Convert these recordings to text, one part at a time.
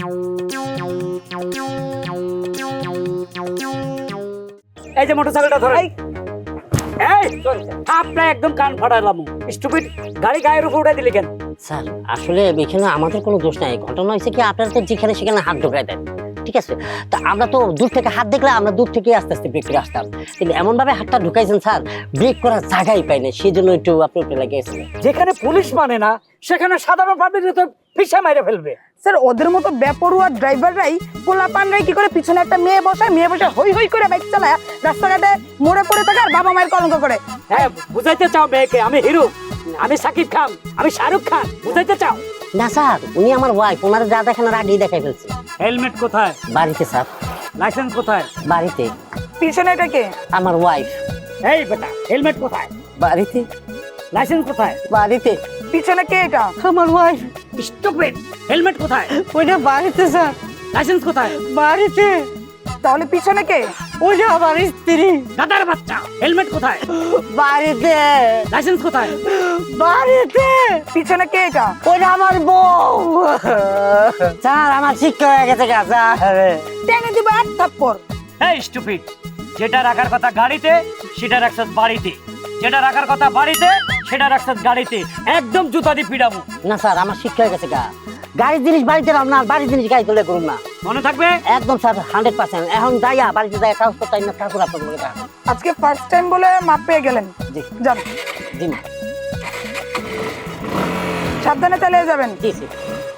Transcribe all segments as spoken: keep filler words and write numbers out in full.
এই যে মোটরসাইকেলটা ধরে এই আপনার একদম কান ফাটালাম স্টুপিড গাড়ি গায়ের উপর উঠাই দিলি কেন? স্যার আসলে এখানে আমাদের কোনো দোষ নাই, ঘটনা হয়েছে কি আপনারা তো যেখানে সেখানে হাত ঢোকায় দেন, ঠিক আছে? তা আমরা তো দূর থেকে হাত দেখলে আমরা দূর থেকে আস্তে আস্তে ব্রেক করে আসতাম, কিন্তু এমন ভাবে হাতটা ঢুকাইছেন স্যার, ব্রেক করার জায়গাই পাই না, সেই জন্য একটু আপনি উপরে লাগিয়েছিলেন। যেখানে পুলিশ মানে না সেখানে সাধারণ পাবলিক তো পিছা মাইরে ফেলবে। স্যার ওদের মতো বেপরুয়া ড্রাইভাররাই পোলাপানরাই কি করে পিছনে একটা মেয়ে বসায়, মেয়ে বসে হই হই করে বাইক চালায় রাস্তাঘাটে মোড়ে পড়ে থাকে আর বাবা মায়ের কলঙ্ক করে। হ্যাঁ বুঝাইতে চাও মেয়েকে আমি হিরো, আমি সাকিব খান, আমি শাহরুখ খান, বুঝাইতে চাও? না স্যার, উনি আমার ওয়াইফ, ওনারা যা দেখেন আর আগেই দেখাই ফেলছে। হেলমেট কোথায়? বাড়িতে স্যার। লাইসেন্স কোথায়? বাড়িতে। পিছনে এটা কে? আমার ওয়াইফ। এই বেটা হেলমেট কোথায়? বাড়িতে। লাইসেন্স কোথায়? বাড়িতে। পিছনে কে এটা? আমার ওয়াইফ। স্টুপিড হেলমেট কোথায়? ওইটা বাড়িতে স্যার। লাইসেন্স কোথায়? বাড়িতে। তাহলে পিছনে কে? ওইটা আমার স্ত্রী। গাদার বাচ্চা হেলমেট কোথায়? বাড়িতে। লাইসেন্স কোথায়? বাড়িতে। পিছনে কে এটা? ওইটা আমার বউ। স্যার আমার শিক্ষা হয়ে গেছে গা স্যার। টেনে দিব এক থাপ্পড়। এই স্টুপিড, যেটা রাখার কথা গাড়িতে সেটা রাখছস বাড়িতে, যেটা রাখার কথা বাড়িতে সেটা রাখছস গাড়িতে, একদম জুতা দিয়ে পিড়াবো। না স্যার আমার শিক্ষা হয়ে গেছে গা, গাড়ির জিনিস বাড়িতে রাম না, বাড়ির জিনিস গাড়ি তুলে করুন না। মনে থাকবে? একদম স্যার হান্ড্রেড পার্সেন্ট। এখন যাইয়া বাড়িতে যাই কাজ করতে না, কাজ করে আপনার বলে দেখাবো। আজকে ফার্স্ট টাইম বলে মাপ পেয়ে গেলেন। জি যান। জি মা। সাবধানে চালিয়ে যাবেন। জি জি।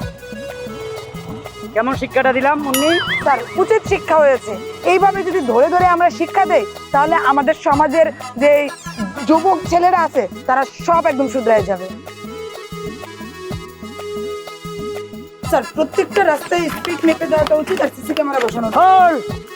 কেমন শিক্ষাটা দিলাম মুন্নি? স্যার উচিত শিক্ষা হয়েছে। এইভাবে যদি ধরে ধরে আমরা শিক্ষা দেই তাহলে আমাদের সমাজের যে যুবক ছেলেরা আছে তারা সব একদম শুধরায় যাবে। স্যার প্রত্যেকটা রাস্তায় স্পিড মেপে দেওয়াটা উচিত আর সিসি ক্যামেরা বসানো। হল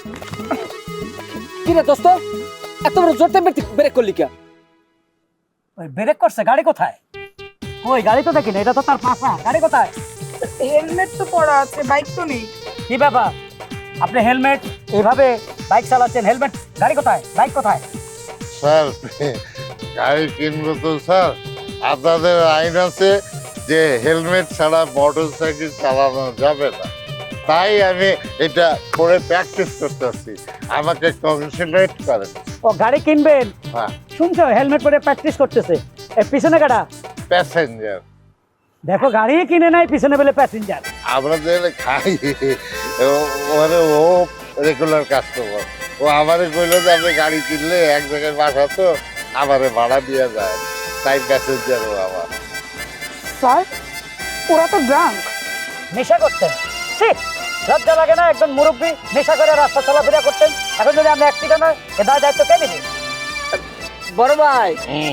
কি রে দোস্ত, এত বড় জোরতে ব্রেক করলি কে? ওই ব্রেক করছে, গাড়ি কোথায়? ওই গাড়ি তো দেখি না, এটা তো তার পাশা, গাড়ি কোথায়? হেলমেট তো পরা আছে, বাইক তো নেই। কি ব্যাপার, আপনি হেলমেট এইভাবে বাইক চালাচ্ছেন, হেলমেট গাড়ি কোথায়, বাইক কোথায়? স্যার গাড়ি কিনবো তো স্যার, আপনাদের আইন আছে যে হেলমেট ছাড়া মোটর সাইকেল চালানো যাবে না, তাই আমি এটা করে প্র্যাকটিস করতেছি, আমাকে কংগ্রেচুলেট করেন। ও গাড়ি কিনবেন? হ্যাঁ। শুনছো হেলমেট পরে প্র্যাকটিস করতেছে, এই পিছনে কাটা প্যাসেঞ্জার। দেখো গাড়ি কিনে নাই, পিছনে বলে প্যাসেঞ্জার। আমরা যে খাই মানে ও রেগুলার কাস্টমার, ও আমারে কইলো যে আপনি গাড়ি কিনলে এক জায়গায় বাসা তো আমারে ভাড়া দিয়ে যায়, তাই প্যাসেঞ্জার ও আমার। স্যার ওরা তো ড্রাঙ্ক। নেশা করতেন? ঠিক লজ্জা লাগে না? একজন মুরব্বী নেশা করে রাস্তা চলাফেরা করতেন, এখন যদি আমরা অ্যাক্সিডেন্ট হয় এ দায় দায়িত্ব কে নেবে? বড় ভাই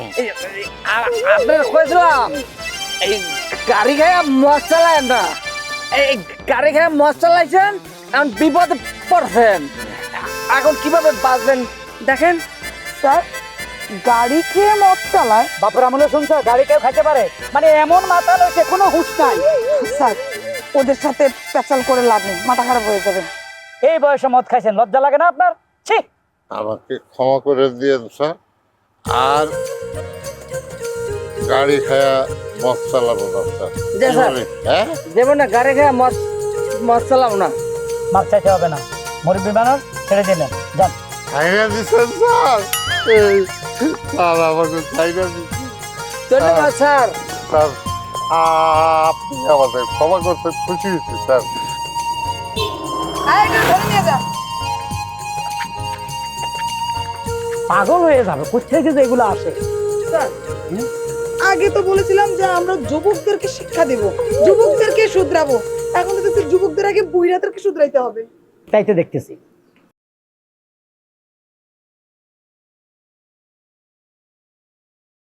আপনার কইছিলাম এই গাড়ি খাইয়া মদ চালায় না, এই গাড়ি খাইয়া মদ চালাইছেন, এখন বিপদে পড়ছেন, এখন কিভাবে বাঁচবেন দেখেন। স্যার গাড়ি খেয়ে মদ চালায়? বাপের আমলে শুনছো গাড়ি কেউ খাইতে পারে? মানে এমন মাতাল হয়েছে কোনো হুঁশ নাই। স্যার ওদের সাথে পেঁচাল করে লাভ নেই, মাথা খারাপ হয়ে যাবে। এই বয়সে মদ খাইছেন, লজ্জা লাগে না আপনার? ছি। আমাকে ক্ষমা করে দিয়েন স্যার, আর গাড়ি খায়া মদ চালাবো না স্যার। জি স্যার। হ্যাঁ যেমন না গাড়ি খাইয়া মদ মদ চালাবো না। মাপ চাইতে হবে না, মুরব্বী মানুষ ছেড়ে দিলেন, যান। খাইয়া দিচ্ছেন স্যার, এই স্যার আমাকে খাইয়া দিচ্ছেন ধন্যবাদ স্যার। স্যার, আপনি আমাদের ক্ষমা করতে খুশি হয়েছি স্যার। আরে একটু ধরে নিয়ে যা। পাগল হয়ে যাবে, কোথেকে যে এগুলো আসে। স্যার আগে তো বলেছিলাম যে আমরা যুবকদেরকে শিক্ষা দেব, যুবকদেরকে শুধরাবো, এখন তো দেখছি যুবকদের আগে বুড়িরাদেরকে শুধরাইতে হবে। তাই তো দেখতেছি